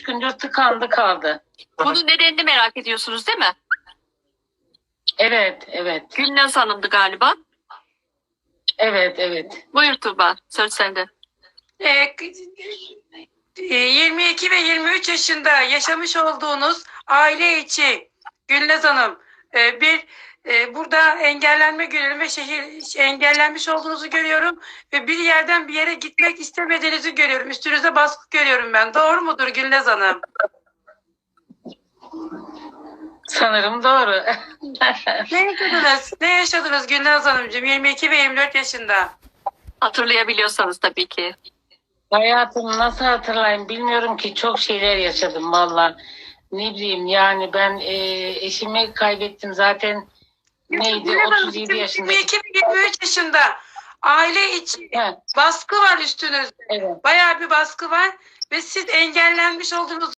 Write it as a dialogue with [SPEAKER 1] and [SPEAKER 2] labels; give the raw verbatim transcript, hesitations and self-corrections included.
[SPEAKER 1] gündür tıkandı kaldı.
[SPEAKER 2] Bunun nedenini merak ediyorsunuz değil mi?
[SPEAKER 1] Evet, evet.
[SPEAKER 2] Gülnaz Hanım'dı galiba.
[SPEAKER 1] Evet, evet.
[SPEAKER 2] Buyur Tuğba, söz sende.
[SPEAKER 3] Ee, yirmi iki ve yirmi üç yaşında yaşamış olduğunuz aile içi Gülnaz Hanım e, bir e, burada engellenme görüyorum ve şehir engellenmiş olduğunuzu görüyorum ve bir yerden bir yere gitmek istemediğinizi görüyorum. Üstünüze baskı görüyorum ben. Doğru mudur Gülnaz Hanım?
[SPEAKER 1] Sanırım doğru.
[SPEAKER 3] Ne yaşadınız? Ne yaşadınız Gülnaz Hanımcığım yirmi iki ve yirmi dört yaşında?
[SPEAKER 2] Hatırlayabiliyorsanız tabii ki.
[SPEAKER 1] Hayatımı nasıl hatırlayayım bilmiyorum ki, çok şeyler yaşadım valla. Ne bileyim yani, ben e, eşimi kaybettim zaten, neydi,
[SPEAKER 3] Gülnaz Hanım,
[SPEAKER 1] otuz yedi yaşında.
[SPEAKER 3] yirmi iki ve yirmi üç yaşında aile içi
[SPEAKER 1] He,
[SPEAKER 3] baskı var üstünüzde.
[SPEAKER 1] evet.
[SPEAKER 3] Bayağı bir baskı var ve siz engellenmiş olduğunuz